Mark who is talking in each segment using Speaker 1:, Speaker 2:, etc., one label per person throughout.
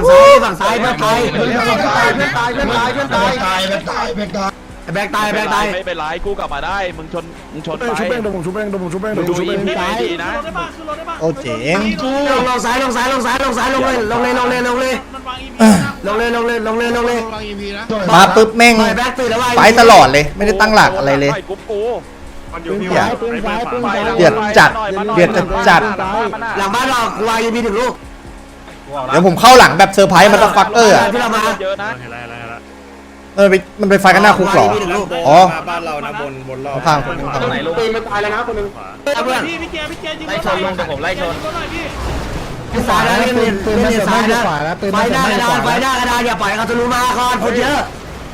Speaker 1: ฝั่งซ้ายเพื่อนตายแบกตาย
Speaker 2: ไม่เป็นไรกูกลับมาได้มึงชนไป
Speaker 3: ชุบเองเดี๋ยวผมชุบเองดู
Speaker 2: อีพีดีนะ
Speaker 4: โอ้เจ๋ง
Speaker 1: ลงซ้ายลงเลย
Speaker 4: มาปุ๊บแม่งไปตลอดเลยไม่ได้ตั้งหลักอะไรเลยเดือดจัด
Speaker 1: หลังบ้านเรากูวางยีพีถึงลูก
Speaker 4: เดี๋ยวผมเข้าหลังแบบเซอร์ไพรส์มันต้องฟักเออ
Speaker 1: ที่เรามา
Speaker 2: เยอะนะ
Speaker 4: มันไปไฟกันหน้าคุกหรออ๋อ
Speaker 3: บ้านเรานะบนรอบ
Speaker 4: ข้าง
Speaker 3: ไหนลูกปืนมันตายแล้วนะคนนึง
Speaker 5: พี่เจยิง
Speaker 2: ไล่ชนลงแต่ผมไล่ชน
Speaker 1: สายแล้วปืนสายนะไฟหน้ากระดานอย่าปล่อยเขาจะรู้มาก่อนคนเยอะ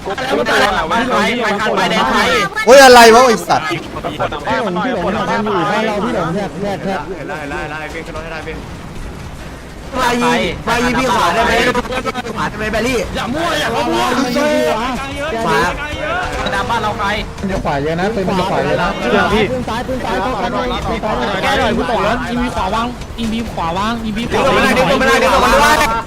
Speaker 2: ไปแดงไทย
Speaker 4: โอ้ยอะไรวะไอสัตว์
Speaker 2: บ้านมันหน่อยคนบ้านเรา
Speaker 1: พี่หลงแยกไฟยีพีขวาได้ไหมแบลลี่
Speaker 5: อย่ามั่ว
Speaker 1: ขวา
Speaker 2: ดาบ้านเราใคร
Speaker 3: จะขวาเยอะนะปืนมันจะขวาเยอะนะ
Speaker 1: ปืนซ้าย
Speaker 5: แกหน่อยกูตกแล้วอีวีขวาวาง
Speaker 1: ดึงตัวมันด้วยดึงตัวมัน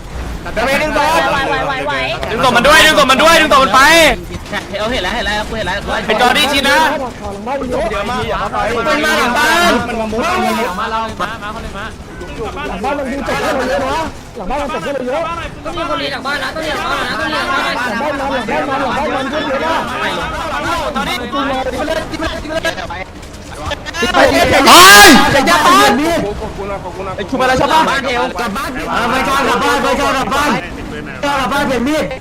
Speaker 1: ไป
Speaker 2: เอาเห็นแล้วกูเห็นแล้วเป็นจอดี้ชินะเดี๋ยวมา
Speaker 1: เป็นมาหลังบ้าน
Speaker 2: มันมามุดมาเรามาเขาเลยมา
Speaker 1: หลังบ้านมันดูจัดเลยนะหลังบ้านมันจัดเลยเยอะ
Speaker 5: ต้องมีคนรีหลังบ้านนะต้องรีหลังบ้านนะต้องรีหลังบ้าน
Speaker 1: หลังบ้านมันขึ้นเยอะนะ
Speaker 2: ตอนนี้
Speaker 4: ไป
Speaker 1: จะยัดปืนมีด
Speaker 2: ชุบอะไรชาวบ้าน
Speaker 1: เทวกลับบ้านไม่ชอบกลับบ้านเปลี่ยนมีด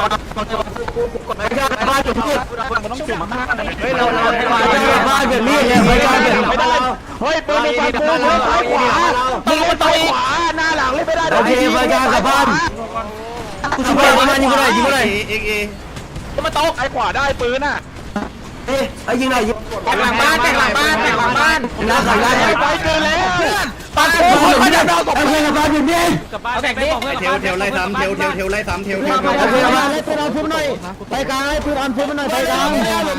Speaker 1: บ้านเปลี่ยนมีด
Speaker 2: มันต้องจุ่มมาก
Speaker 1: เฮ้ยเราบ้านเปลี่ยนมีดเนี่ยไม่ได้
Speaker 2: เฮ้ยปืนในฝั่งกูมือซ้ายขวามึงไปต่อยขวาหน้าหลังไม่ได้
Speaker 1: โอเคไปกันกลับบ้านกูช่วยมันยิงกูหน่อย
Speaker 2: มาตกไอ้ขวาได้ปืนอ่ะ
Speaker 1: ไอ้ยิงหน่อย
Speaker 2: แตกหลังบ้าน
Speaker 1: น่าใส่ได้
Speaker 2: ไปเกินแล้วเพื่อน
Speaker 1: ปัดคนมาจับเราตกเพื่อนกลับบ้านเปลี่ยนมีด
Speaker 2: กลับบ้านแตกดิ
Speaker 3: เทวไล่ซ้ำเทวไล่ซ้ำ
Speaker 1: โอเคมาเล่นปืนออนพุ่มหน่อยไปกลางให้ปืนออนพุ่มหน่อยไปกลาง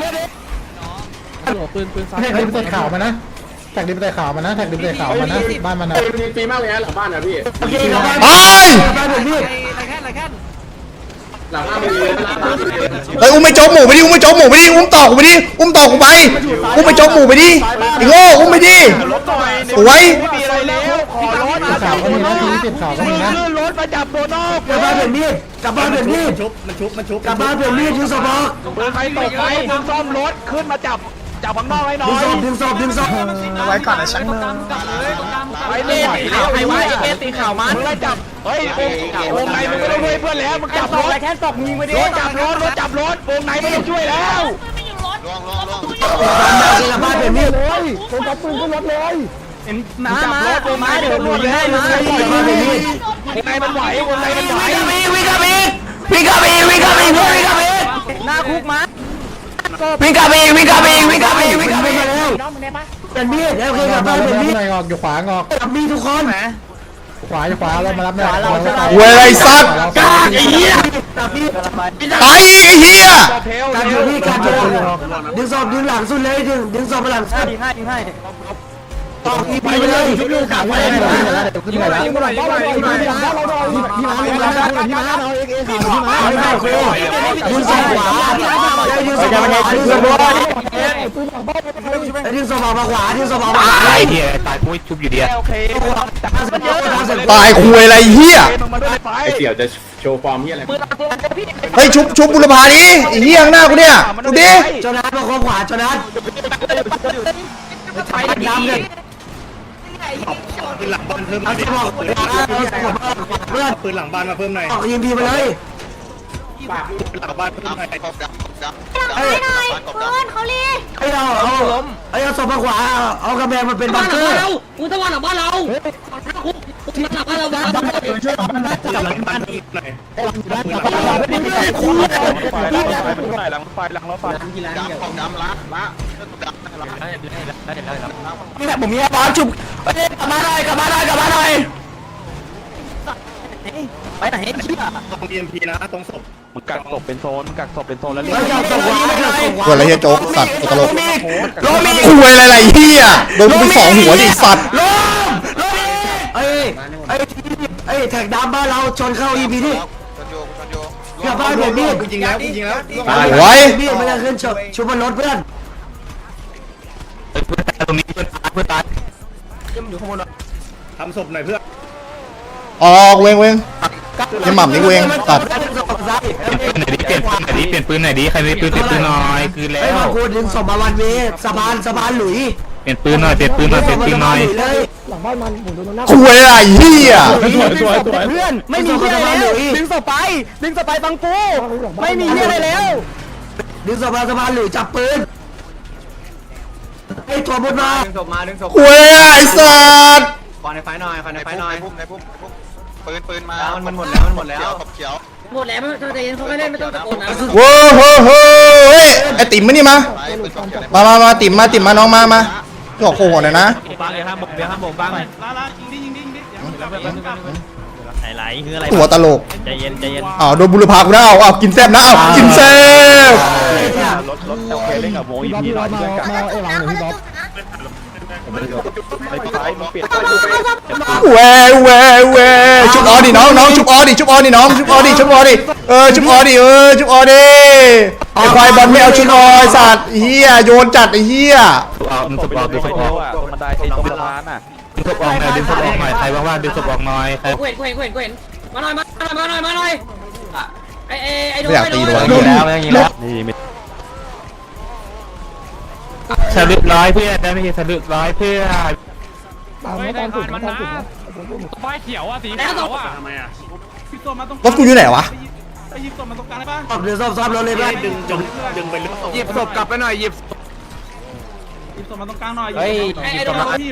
Speaker 3: ปืนซ้ายแท็กดิมใส่ข่าวมานะแท็กดิมใส่ข่าวมานะบ้านมันนะฟรีมากเลยนะหลังบ้านนะพี่
Speaker 1: โอเคกลับบ้านเปลี่ยนมีด
Speaker 3: หลังบ้านมันเลย
Speaker 4: เฮ้ยอุ้มไม่โจ๊กหมูไปดิอุ้มต่อกูไปดิอุ้มไปโจ๊กหมูไปดิไอ้โง่อุ้มไปดิสวย
Speaker 2: ไม่มีอะไรแล้วขอรถ
Speaker 3: ข่าวก็มีนะทีนี้ข่าวก็มีนะ
Speaker 2: ขึ้นรถมาจับตัวนอก
Speaker 1: กลับบ้านเปลี่ยนมีดกลับบ้านเปลี่ยนมีด
Speaker 3: มันชุบ
Speaker 1: กลับบ้านเปลี่ยนมีดยิงศพออก
Speaker 2: เบอร์ใครตกไปมึงซ่อมรถขึ้นมาจับข้างนอกให้หน่อย
Speaker 1: ดึงศพ
Speaker 4: ไว้ก่อนนะฉัน
Speaker 2: ไอ้เล่ตีข่าวไอ้ไว้ไอ้ตีข่าวมันมึงไล่จับเฮ้ยวงในมึงไม่ต้องช่วยเพื่อนแล้วมึงจับรถ
Speaker 1: แค่ตกยิงไปดิ
Speaker 2: รถจับรถวงในไม่ต้องช่วยแล้ว
Speaker 1: กลับบ้านเปลี่ยนมีดเลยผมจับปืนขึ้นรถเลย
Speaker 2: จับรถวงในเดี๋ยวยิงให้มาวงในมันไหว
Speaker 1: วิ่งกับอี
Speaker 2: หน้าคุกมา
Speaker 1: วิ่งกับอีเป็นมีดแล้วคือกลับบ้านเป็นมีด
Speaker 3: งอกอยู่ขวางอก
Speaker 1: กับมีทุกคน
Speaker 3: ขวาเรามารับเนี่ย
Speaker 4: เว้ยไอ้สัตว์
Speaker 1: กาไอ้เหี้ยกับมีด
Speaker 4: ตายอีกไอ้เหี้ย
Speaker 1: การอยู่พี่การอยู่ดึงศพดึงหลังสุดเลยดึงศพไปหลังสุด
Speaker 2: ยิงให้
Speaker 1: ต่ออีพีไปเลยชุบลูกขาไปเลยยิงมายิงมาเราดึงศพขวาดึงศพขวาดึงศพมาขวา
Speaker 2: ไอ้เหี้ยตายกูชุบอยู่ดีโอเค
Speaker 4: ตายคุยอะไรเหี้ย
Speaker 3: ไอ้เสี่ยวจะโชว์ฟอร์มเหี้ยอะไร
Speaker 4: เฮ้ยชุบบุรพาดิไอ้เหี้ยข้างหน้ากูเนี่ยดูดิ
Speaker 1: จนัทมาคบขวาจนัทไปดำเลย
Speaker 3: ปืนหลังบ้านเพิ่มปืนหลังบ้านมาเพิ่มหน่อย
Speaker 1: ยิงพีไปเลย
Speaker 3: หลังบ้านเพิ่มหน่อย
Speaker 6: เฮ้ยหน่อยเพื่อนเขาลี
Speaker 1: ไอ้เราเอาศพมาขวาเอากระแบงมันเป็นบังเกอร์
Speaker 5: กูต้องวางหลังบ้านเราที่หลังบ้านเราบ้าน
Speaker 3: ช่วยหลังบ้านจับหลังบ้านหน่อย
Speaker 2: หลังไฟดำละ
Speaker 1: นี่แหละผมมีบอลจุบกลับมาหน่อย
Speaker 5: ไปไหนเชี่ย
Speaker 3: ตรง EMP นะตรงศพ
Speaker 2: มึงกักศพเป็นโซนแล้วเรียก
Speaker 4: กูอะไรเหี้ยโจ๊กสัตว์ตลกคุยอะไรเหี้ยโดนกูไป2 หัวดิสัตว์
Speaker 1: ไอ้ฮ้ยแท็กดำบ้านเราชนเข้า EP นี่
Speaker 7: ชนโยชนโย
Speaker 1: เกือบบ้านผมพี่
Speaker 2: จริงแล้วจริงแล้ว
Speaker 4: ไว้
Speaker 1: พี่มันจะขึ้นชุบบนรถเพื่อน
Speaker 2: ตรงนี้เพื่อนตาย
Speaker 3: ทำศพหน่อยเพื่อน
Speaker 4: ออกเวงยังหม่ำนี่เวงตัด
Speaker 2: เปลี่ยนปืนไหนดีใครมีปืนเปลี่ยนปืนหน่อยคืนแล้
Speaker 1: ไอ้
Speaker 2: ว
Speaker 1: มาพูดถึงสมบัติวันนี้สะพานหลุย
Speaker 2: เปลี่ยนปืนหน่อยเปลี่ยนปืนหน่อยเปลี่ยนปืนหน่อย
Speaker 1: เลย
Speaker 4: คุยอะไรเฮีย
Speaker 3: สวย
Speaker 1: เพื่อนไม่มีที่อะไรแล้วดึงศพไปฟังกูไม่มีที่อะไรแล้วดึงศพมาสะพานหลุยจับปืนไอ้ตัวบนมา
Speaker 2: ดึงศพมาดึงศพ
Speaker 4: คุยอะไรไอ้สัตว์
Speaker 2: ขอในไฟหน่อยขอในไฟหน่อย
Speaker 7: ในพุ่มปืนมาขอบเขียว
Speaker 5: หมดแล้วใจเย็นเขาไม่เล่นไม่ต้องตะโกนนะ
Speaker 4: โว้โหเฮ้ยไอติ๋มมานี่มา
Speaker 7: ไปปืนขอบเขียว
Speaker 4: มาติ๋มมาน้องมาหอกโค้งหน่อยนะ
Speaker 2: บ้างเลยครับผมเดี๋ยวครับผมบ้าง
Speaker 8: ไหลคืออะไร
Speaker 4: ตัวตลก
Speaker 8: ใจเย็นใจเย็น
Speaker 4: อ้าวโดนบุรพากูนะเอากินแซ่บนะเอากินแซ่บ
Speaker 7: รถโอเคเล่นกับโมอีพีหน่อยเพื่อนกัน
Speaker 4: แหวชุบออดิน้องชุบออดิชุบออดิน้องชุบออดิชุบออดิชุบออดิชุบออดิไอควายบอลไม่เอาชุบออสัตว์เฮียโยนจัดไอเฮีย
Speaker 2: เอาดึงศพออกดึงศพออก
Speaker 7: ตรงบันไดตรงสะพานอ่ะ
Speaker 2: ดึงศพออกหน่อยดึงศพออกหน่อยใครว่างๆดึงศพออกหน่อยใคร
Speaker 5: กูเห็นมาหน่อยไอ้โด
Speaker 4: ไม่อยากตีเลย
Speaker 2: สลุดร้อยเพื่อนได้ไม่ใช่สลุดร้อยเพื่อน
Speaker 8: ป้ายเขียวอ่ะสี
Speaker 5: แล้ว
Speaker 8: เขียวอ่ะ
Speaker 4: รถกูอยู่ไหนวะ
Speaker 1: ศพเดี๋ยวศพรถเลยเพื่อน
Speaker 2: หยิบศพกลับไปหน่อยหยิบ
Speaker 8: เฮ้ย
Speaker 5: ไอ้โด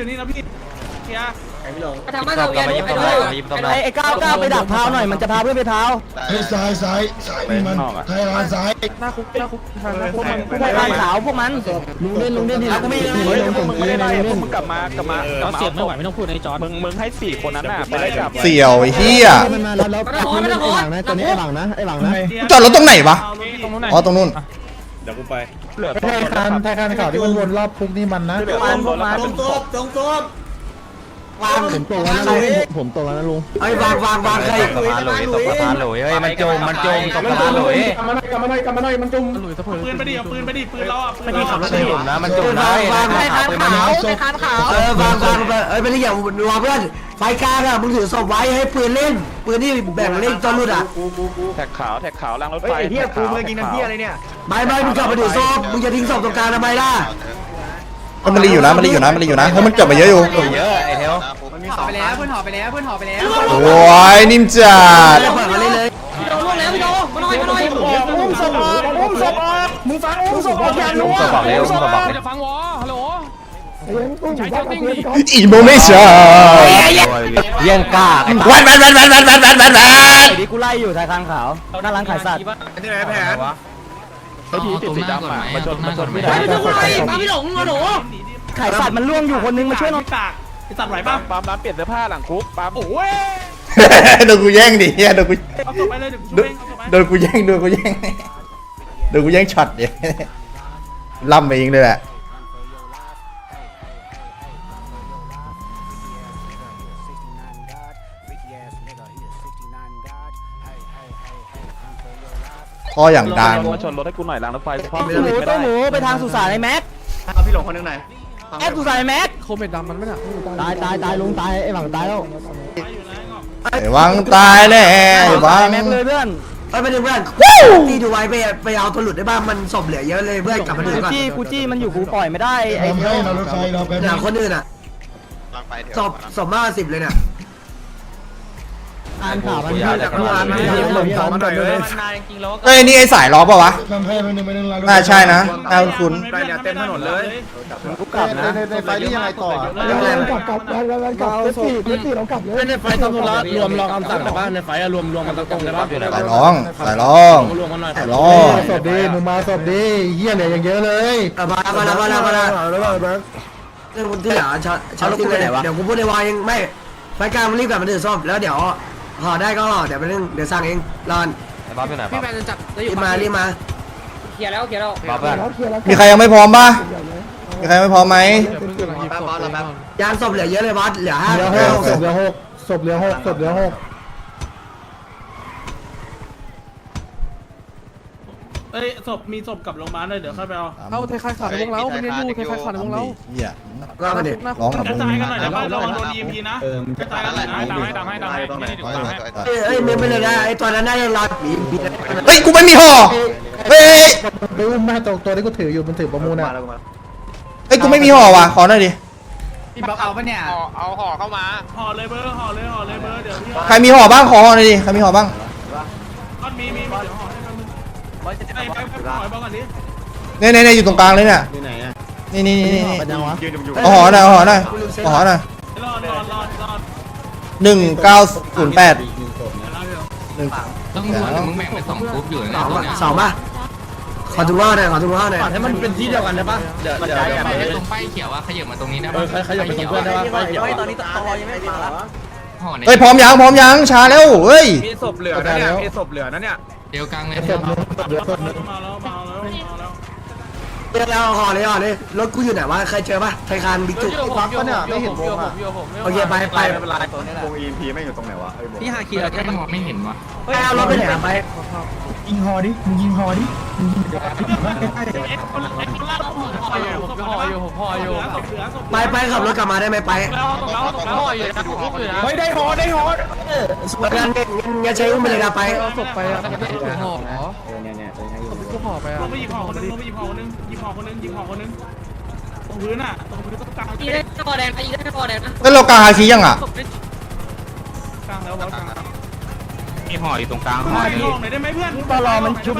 Speaker 5: ทำบ้านเราเวียนไอ้ก้าวไปดักเท้าหน่อยมันจะพาเพื่อนไปเท้า
Speaker 3: ซ้ายนี่มันไทยร้านซ้าย
Speaker 5: บ้านขาวพวกมันลุงเล่นที่กูไม่เล่น
Speaker 7: มึงกลับมา
Speaker 8: เสียงไม่ไหวไม่ต้องพูดในจอร์ด
Speaker 7: มึงให้4คนนั้นน่ะไปได้จับ
Speaker 4: เสี่ยวไอ้เฮีย
Speaker 5: ไม่ต้องโอนนะตัวนี้ไอ้หลังนะ
Speaker 4: จอดรถตรงไหนวะอ๋อตรงนู้น
Speaker 7: เหลือ
Speaker 3: ไทยคันข่าวที่มันวนรอบคุกนี่มันนะ
Speaker 1: ผมตัวแล้วนะผมตัวแล้วนะลุงไอ้วางใคร
Speaker 8: สะพานหลุยตกสะพานหลุยเฮ้ยมันจมตกสะพานหลุย
Speaker 3: กลับมาหน่อยมันจุ่ม
Speaker 8: ไม่ได้ขับรถผมนะมันจมนะ
Speaker 1: วางวางไปนี่อย่าวางเพื่อนไฟกลางอะมึงถือศพไว้ให้ปืนเล่นปืนนี่แบ่งเล่นตอนรุ่นอะ
Speaker 7: แท็กขาวล้างรถไฟเฮียกูเมื่อกี้นั่นเฮียอะไรเนี่ย
Speaker 1: ไม่มึงกลับมาถือศพมึงจะทิ้งศพตรงกลางทำไมล่ะ
Speaker 4: มันรีอยู่นะเพราะมันเก็บไปเยอะอยู่
Speaker 8: เยอะไอ้เทล
Speaker 2: ห่อไปแล้วเพื่อนห่อไปแล้ว
Speaker 4: โอ้ยนิ่มจัด
Speaker 1: เปิดมาเล่นเลย
Speaker 5: พี่โดล่วงแล้วพี่โดมาหน่อยอุ้มศพมึงฟังอุ้มศพอย่านัว
Speaker 8: ก็บอกเลยก็บอกเลยจะฟังวอฮัลโหลใช้เจ้าติ้งดิ
Speaker 4: อีโมไม่ใช่
Speaker 8: เยี่ยงกล้า
Speaker 4: แวน
Speaker 5: ดีกูไล่อยู่ทายคางขาวหน้าร้านขายสัตว์
Speaker 2: ที่ไหนแผน
Speaker 7: สีดำอ่ะมาชนไม่
Speaker 5: ไป
Speaker 7: ได้
Speaker 5: ดูกูไล่มาพี่หลงหนูขายสัตว์มันล่วงอยู่คนนึงมาช่วยหน่อย
Speaker 7: ปั๊มร้านเปลี่ยนเสื้อผ้าหลังคุกปั๊ม
Speaker 4: โดนกูแย่งดิเฮียโดนกูแย่งโดนกูแย่งช็อตเนี่ยล่ำไปเองเลยแหละพ่ออย่างดัง
Speaker 7: มาชนรถให้กูหน่อยล้างรถไฟพ่อ
Speaker 5: หมูไปทางสุสานไอ้แม็ก
Speaker 2: เอาพี่หลงคนนึงหน่อย
Speaker 5: แอบสุสานไอ้แม็ก
Speaker 1: ตายลุงตายไอ้หวังตายแล้ว
Speaker 4: ไอ้วังตายแน่ไอ้วัง
Speaker 5: แม็กเลยเพื่อน
Speaker 1: ไปดูเพื่อนตีดูไว้ไปเอาตัวหลุดได้บ้างมันศพเหลือเยอะเลยเพื่อนกลับมาดูก่อน
Speaker 5: กูจี้มันอยู่กูปล่อยไม่ได้ไอ้
Speaker 3: เรารถไฟเราไป
Speaker 1: อย่างคนอื่นอะ
Speaker 7: ล้างไปเถอะ
Speaker 1: ศพมาก10เลยเนี่ย
Speaker 8: อ่านข่าวมัน
Speaker 4: เอ้ยนี่ไอ้สายล้อป่ะวะ
Speaker 3: ทำให้มันหนึ่งเรา
Speaker 4: น่าใช่นะน่าคุ้น
Speaker 2: ไปเนี่ยเต็มถนนเลย
Speaker 3: กูกลับนะในไฟนี่ยังไงต่อแล้วเรากลับเลยในไฟต้องรวมรอคำสั่งในบ้านในไฟรวมมันตรงในบ้าน
Speaker 4: สายร้องสายร้องสายร้อง
Speaker 3: ศพดีมึงมาศพดีเฮียเนี่ยอย่างเยอะเลย
Speaker 1: มาเรื่องคนที่เหลือชาลุกเลยเดี๋ยวกูพูดในวายเองไม่ไฟกลางมันรีบกลับมาถือศพแล้วเดี๋ยวห่อได้ก็ห่อเดี๋ยวไปเรื่องเดี๋ยวสั่งเองรอน
Speaker 8: บ๊อบอยู่ไหนบ๊อบ
Speaker 1: รีบมา
Speaker 5: เคลียร์แล้ว
Speaker 8: บ๊อบเพื่อน
Speaker 4: มีใครยังไม่พร้อมป่ะมีใครยังไม่พร้อมไหม
Speaker 1: ยานศพเหลือเยอะเลยบอสเหลือ5
Speaker 3: เหลือหกศพเหลือหก
Speaker 8: เอ้ยศพมีศพกับโรงพยาบาลเลยเดี๋ยวค่อยไปเอา
Speaker 4: เอาไทยคายขาดในวงเรามันเรียนอยู่ไทยคายขาดในวงเราเฮีย
Speaker 1: ก็มาดิ
Speaker 4: ร้องกับ
Speaker 8: ก
Speaker 4: มึ
Speaker 8: ระ
Speaker 4: ง
Speaker 8: จายกันหน่อยเดี๋ยวระวังโดน EMP นะกระจายกันหน่อยนะดังให้ไม่ได้ถึงดังให้
Speaker 1: เอ้ยไม่เป็นไรนะไอ้ตอนนั้นน่าจะรอบี
Speaker 4: เฮ้ยกูไม่มีห่อเฮ้ย
Speaker 3: ไปอุ้มแม่ตัวที่กูถืออยู่มันถือประมูลอ่ะ
Speaker 4: เฮ้ยกูไม่มีห่อว่ะขอหน่อยดิ
Speaker 2: พี่บอกเอาปะเนี่ยเอาห่อเข้ามา
Speaker 8: ห่อเลยเบอร์ห่อเลยเบอร์เดี๋ยวพี่
Speaker 4: ใครมีห่อบ้างขอห่อหน่อยดิใครมีห่อบ้าง
Speaker 8: ก้อนมีเดี๋ยวห่อให้กันมึงไปห่อบ้างก่อนดิ
Speaker 4: เนี่ยอยู่ตรงกลางเลยเนี่ยนี่เอาห่อหน่อยเอาห่อหน่อยเอาห่อหน่อย
Speaker 8: รอ
Speaker 4: 1908
Speaker 9: ต้องมึงแบ่งเป็น2กลุ่มอยู่นะตัวเนี้ย
Speaker 1: สองป่ะขอถุงห่อหน่อยขอถุงห่อหน่อย
Speaker 2: ให้มันเป็นที่เดียวกันได้ปะเดี๋ยว
Speaker 9: ตรงป้ายเขียวว่าขยับมาตรงนี้นะ
Speaker 2: ขยับไปตรงเพื่อนได้ปะไปเดี๋ยว
Speaker 5: ตอนนี้ตอยังไม่มาละ
Speaker 9: ห่อใน
Speaker 4: เฮ้ยพร้อมยังช้าแล้วเฮ้ย
Speaker 2: มีศพเหลือนะเนี่ยมีศพเหลือนะเนี่ย
Speaker 9: เดียวกลางเลย
Speaker 8: มาแล้ว
Speaker 1: เราห่อเลยรถกูอยู่ไหนวะใครเจอป่ะไทยคานบิ๊กจุ
Speaker 3: ปั๊บปะเนี่ยไม่เห็นวงอ่ะ
Speaker 1: โอเคไป
Speaker 7: วง EMP ไม่อยู่ตรงไหนวะ
Speaker 5: พี่ฮาคี
Speaker 9: แค่มองไม่เห็นวะ
Speaker 1: เอารถไปไหนไป
Speaker 3: ยิงฮอดิมึงยิงฮอดิ
Speaker 1: ไปขับรถกลับมาได้ไหมไป
Speaker 2: เฮ้ยได้ห่อ
Speaker 1: งั้นใช้อุ้มไปเลยนะไป
Speaker 8: ศพไปอ่ะห่อกูห่อไปอ่ะไปหยิบห่อคนนึงหยิบห่อคนนึงตรงพื้นอ่ะตรงพื้นตรงกลาง
Speaker 5: อีได้คอแดงอีได้คอแดงนะ
Speaker 4: แล้วเรากลางฮาคิยังอ่ะ
Speaker 8: กลางแล้ววะกลาง
Speaker 9: มีห่ออยู่ตรงกลาง
Speaker 8: ห่อหน่อยได้ไหมเพื่อน
Speaker 1: ตลอมันชุบ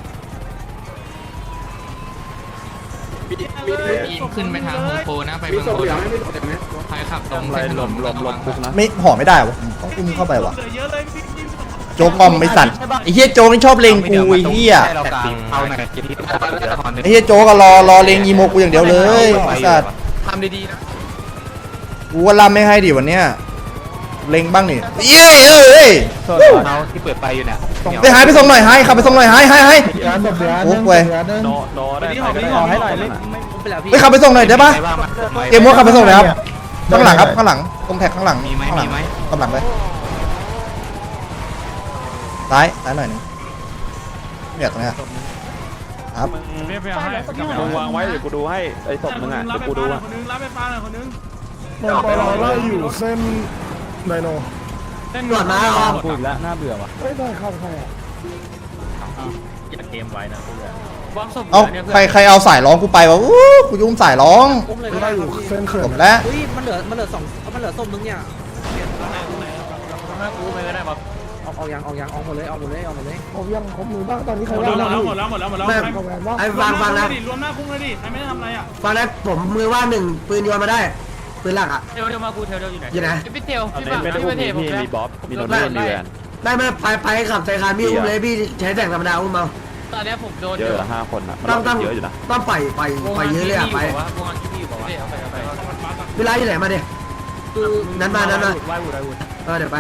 Speaker 9: ขึ้นไปทางโฮมโปรนะไปเมืองบนใครขับตรงเส้นถนนระวังนะ
Speaker 4: ไม่ห่อไม่ได้วะผมต้องอุ้มเข้าไปวะ
Speaker 8: เหลือเยอะเลยพี่
Speaker 4: โจ๊กงอมไอ้สัตว์ไอ้เฮียโจ๊กนี่ชอบเลงกูไอ้เฮีย
Speaker 9: เอาหน่อยที่
Speaker 4: ไอ้เฮียโจ๊กก็รอเลงอีโมกูอย่างเดียวเลยไอ้สัตว์
Speaker 2: ทำดีๆนะ
Speaker 4: กูว่าล่ำไม่ให้ดิวันเนี้ยเลงบ้างนี่เย้เอ้ย
Speaker 9: เอาที่เปิดไปอยู่เนี่ย
Speaker 4: ไปหายไปส่งหน่อยให้ขับไปส่งหน่อยให้
Speaker 3: ร้านแบบเดือน
Speaker 4: โอ้เว้ย
Speaker 8: นี่ห่อให้หน่อยเลย
Speaker 4: ไปขับไปส่งหน่อยได้ปะเกมว่าขับไปส่งหน่อยครับข้างหลังครับข้างหลังตรงแท็กข้างหลัง
Speaker 9: มีไหม
Speaker 4: กำลังเลยซ้ายหน่อยนึงเนี่ยตรงเนี้ยครับ
Speaker 7: มึงวางไว้เดี๋ยวกูดูให้ไอ้ศพมึงอ่ะเดี๋ยวกูดูอ่ะ
Speaker 8: คนนึงรับไปฟ้าหน่อยคนนึง
Speaker 3: มันไปรอไล่อยู่เส้นไดโน
Speaker 8: เต้น
Speaker 1: ตรวจมาครับ
Speaker 3: ไม่ได้เข้าใครอ่ะ
Speaker 4: เอาใครเอาสายร้องกูไปวะอู้กูยุ่งสายร้อง
Speaker 3: ไม่ได้อยู่เส้นเขื่อ
Speaker 4: จ
Speaker 3: น
Speaker 4: บแล้ว
Speaker 5: เฮ้ยมันเหลือ2มันเหลือส้มนึงเนี่ยออกยังออกหมดเลย
Speaker 3: ผมยังครบมือบ้างตอนนี้ใคร
Speaker 8: หมด
Speaker 3: ว่าง
Speaker 8: แล้ว
Speaker 3: บ้าง
Speaker 8: หมดแล้ว
Speaker 1: ไอ้ฟังนะ
Speaker 8: รวมหน้าคุ้งเลยดิใครไม่ได้ทำอะไรอ่ะ
Speaker 1: ฟังนะผมมือว่างหนึ่งปืนโยนมาได้ปืนหลักอ่ะ
Speaker 8: เทลมากูเทลอยู่ไหน
Speaker 1: อยู่ไหน
Speaker 8: พี่เทลพี่บ้าพี่เทลมีบ๊อบมีโนนมีแวน
Speaker 1: ได้ไม่ไปขับไทยคานพี่อุ้มเลยพี่ใช้แต่งธรรมดาอุ้มเอา
Speaker 8: ตอนนี้ผมโดน
Speaker 7: เยอะ5 คนอ่ะ
Speaker 1: ต้องเยอะอยู่นะต้องปล่อยเยอะเลยอ่ะไป
Speaker 8: วงอันที่พี่บอกว่า
Speaker 1: เวลาอยู่ไหนมาดินั้นมาเดี๋ยวไป